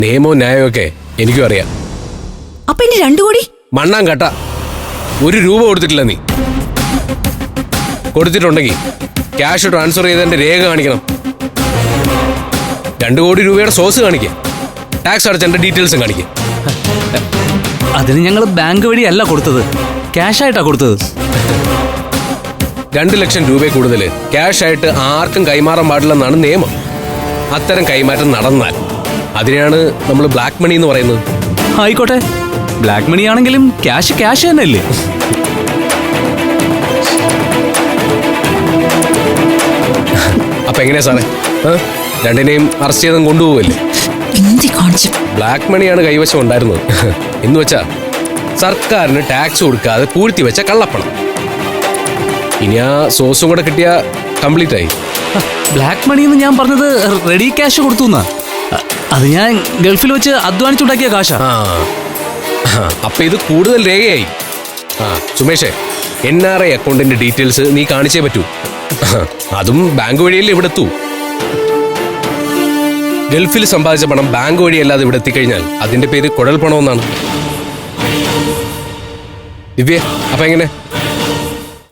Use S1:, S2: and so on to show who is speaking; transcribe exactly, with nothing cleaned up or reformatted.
S1: നിയമവും ന്യായവും ഒക്കെ എനിക്കും അറിയാം.
S2: അപ്പൊ ഇനി രണ്ടു കോടി
S1: മണ്ണാൻ കട്ട. ഒരു രൂപ കൊടുത്തിട്ടില്ല നീ. കൊടുത്തിട്ടുണ്ടെങ്കിൽ ക്യാഷ് ട്രാൻസ്ഫർ ചെയ്തതിന്റെ രേഖ കാണിക്കണം. രണ്ടു കോടി രൂപയുടെ സോഴ്സ് കാണിക്കുക, ടാക്സ് അടച്ചതിന്റെ ഡീറ്റെയിൽസും കാണിക്കുക.
S3: അതിന് ഞങ്ങൾ ബാങ്ക് വഴിയല്ല കൊടുത്തത്, ക്യാഷ് ആയിട്ടാ കൊടുത്തത്.
S1: രണ്ട് ലക്ഷം രൂപ കൂടുതൽ ക്യാഷ് ആയിട്ട് ആർക്കും കൈമാറാൻ പാടില്ലെന്നാണ് നിയമം. അത്തരം കൈമാറ്റം നടന്നാൽ അതിനെയാണ് നമ്മൾ ബ്ലാക്ക് മണി എന്ന് പറയുന്നത്.
S3: ആയിക്കോട്ടെ, ബ്ലാക്ക് മണി ആണെങ്കിലും ക്യാഷ് ക്യാഷ് തന്നെയല്ലേ?
S1: അപ്പൊ എങ്ങനെയാ സാറേ, രണ്ടിനെയും അറസ്റ്റ് ചെയ്തും കൊണ്ടുപോകല്ലേ? ബ്ലാക്ക് മണിയാണ് കൈവശം ഉണ്ടായിരുന്നത് എന്ന് വെച്ചാ സർക്കാരിന് ടാക്സ് കൊടുക്കാതെ പൂഴ്ത്തി വെച്ച കള്ളപ്പണം. ഇനി ആ സോഴ്സും കൂടെ കിട്ടിയ കംപ്ലീറ്റ് ആയി.
S3: ബ്ലാക്ക് മണി എന്ന് ഞാൻ പറഞ്ഞത് റെഡി ക്യാഷ് കൊടുത്തു എന്നാ. അത് ഞാൻ ഗൾഫിൽ വെച്ച് അധ്വാനിച്ചുണ്ടാക്കിയ കാശാ.
S1: അപ്പൊ ഇത് കൂടുതൽ രേഖയായി. ആ സുമേഷേ, എൻ ആർ ഐ അക്കൗണ്ടിന്റെ ഡീറ്റെയിൽസ് നീ കാണിച്ചേ പറ്റൂ. അതും ബാങ്ക് വഴിയല്ലേ ഇവിടെ എത്തൂ. ഗൾഫിൽ സമ്പാദിച്ച പണം ബാങ്ക് വഴിയല്ലാതെ ഇവിടെ എത്തിക്കഴിഞ്ഞാൽ അതിന്റെ പേര് കുഴൽ പണമെന്നാണ്. ദിവ്യ, അപ്പൊ എങ്ങനെ?